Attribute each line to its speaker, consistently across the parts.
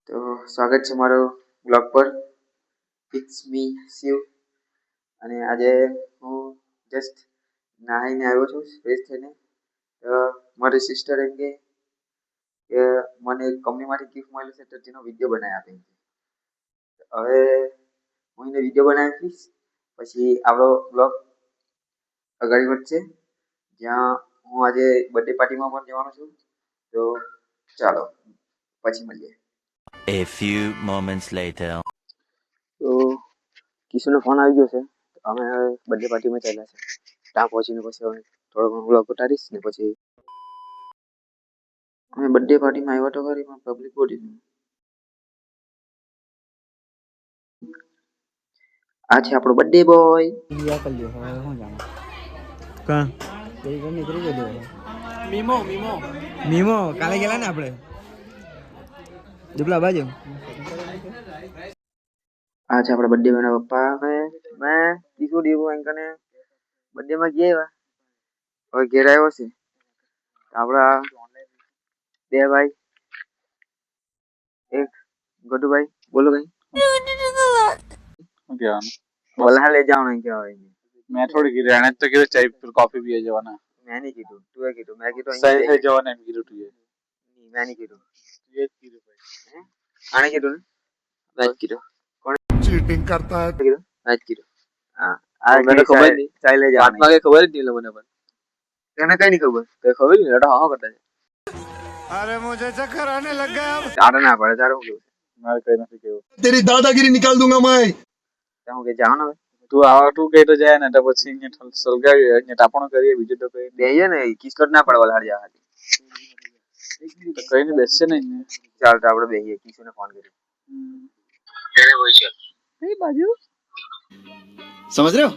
Speaker 1: તો સ્વાગત છે મારો બ્લોગ પર. It's me Shiv. અને આજે હું જસ્ટ નાહીને આવ્યો છું ફ્રેશ થઈને. મારી સિસ્ટર એમ કે મને કંપનીમાંથી ગિફ્ટ મળેલું છે તો તેનો વિડીયો બનાવી આપે. હવે હું એને વિડીયો બનાવી આપીશ, પછી આપણો બ્લોગ આગળ વધશે, જ્યાં હું આજે બર્થડે પાર્ટીમાં પણ જવાનો છું. તો ચાલો પછી મળીએ.
Speaker 2: A few moments later.
Speaker 1: તો કિશુનો ફોન આવી ગયો છે. અમે હવે બર્થડે પાર્ટીમાં ચાલ્યા છે. ત્યાં પહોંચીને પછી હવે થોડો ઘણો બ્લોગ ઉતારીશ ને પછી અમે બર્થડે પાર્ટીમાં આવ્યા તો ખરી, પણ પબ્લિક બહુ હતી. આ છે આપણો બર્થડે બોય.
Speaker 3: મીમો કાલે ગયેલા ને આપણે દુબલા બાજુ.
Speaker 1: આ છે આપણા બર્થડે ના પપ્પા. મેં કિશુ દેવું અંકને બર્થડે માં ગયા. હવે ઘેર આવ્યો છે આપડા બે ભાઈ, એક ગોટુભાઈ. બોલો ભાઈ. बोला ले जाओ नहीं क्या भाई.
Speaker 4: मैं थोड़ी गिर रहने तो गिर चाय फिर कॉफी पिए जवाना.
Speaker 1: मैं नहीं कीधु, तू है कीधु. मैं कीधु
Speaker 4: सही है जवाना नहीं गिर उठिए.
Speaker 1: नहीं मैं नहीं कीधु.
Speaker 4: ये गिर भाई.
Speaker 1: आने कीधु ने मैच कीधु. कौन
Speaker 5: चीटिंग करता है?
Speaker 1: कीधु मैच कीधु. हां आ मैंने खबर नहीं. चाय ले जाओ.
Speaker 3: આત્મા કે ખબર જ નહીં લે મને પણ.
Speaker 1: तने कहीं नहीं खबर.
Speaker 3: કઈ ખબર નહીં લડા હા કરતા છે.
Speaker 5: अरे मुझे चक्कर आने लग गया अब.
Speaker 1: आड़ा ना पड़े तारो के.
Speaker 4: मारे कहीं ना केव.
Speaker 5: तेरी दादागिरी निकाल दूंगा मैं.
Speaker 1: ताऊ के जाओ ना.
Speaker 4: तू आवा तू कहीं तो जाए ना तो પછી ને સલગાવી ને તાપણો કરીએ બીજું તો કઈ
Speaker 1: બેહીએ ને કિસ્કટ ના પડે વલહાડ જા.
Speaker 4: તો કઈ નહીં બેસશે નહીં.
Speaker 1: ચાલ તો આપણે બેહીએ. કિશુને ફોન કર્યો. કેને બોલશો
Speaker 3: કઈ બાજુ સમજ રહ્યો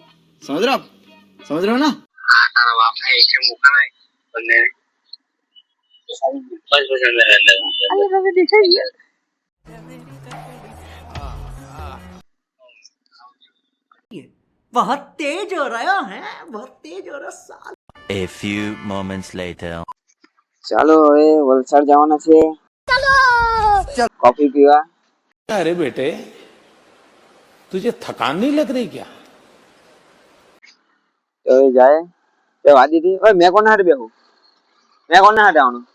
Speaker 3: ના.
Speaker 1: हां तारा बाप ने एक मुका है बंदे ने. बस अंदर
Speaker 3: અરે તમે દેખાઈ ગયા. बहुत तेज हो रहा है, बहुत तेज हो रहा साल.
Speaker 2: A few moments later.
Speaker 1: ચાલો હવે વલસાડ જવાના છે. ચાલો કોફી પીવા.
Speaker 6: अरे बेटे तुझे थकान नहीं लग रही क्या?
Speaker 1: તો એ જાય તે વાદી હતી. ઓય મેં કોના હાથે બેહું? મેં કોના હાથે આવવાનું?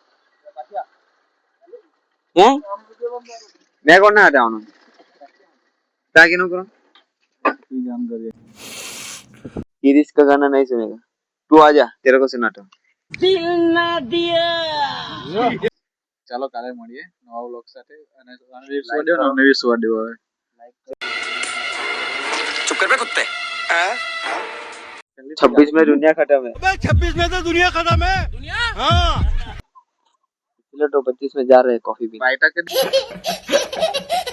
Speaker 1: હે मैं કોના હાથે આવવાનું? તાકી નો કરો.
Speaker 4: तू जान करिए.
Speaker 1: ये रिस्क का गाना नहीं सुनेगा. तू आजा, तेरे को सुनाता हूँ.
Speaker 4: ચાલો કાલે મળીએ નવા વ્લોગ સાથે અને અનવીર સુવાડ્યો ને અનવીર સુવાડ્યો હવે.
Speaker 3: चुप कर बे कुत्ते.
Speaker 1: 26 में दुनिया खत्म है.
Speaker 5: अबे 26 में तो दुनिया खत्म है. हाँ.
Speaker 1: चलो तो 25 में जा रहे हैं कॉफी पीने.
Speaker 4: બાયટા કે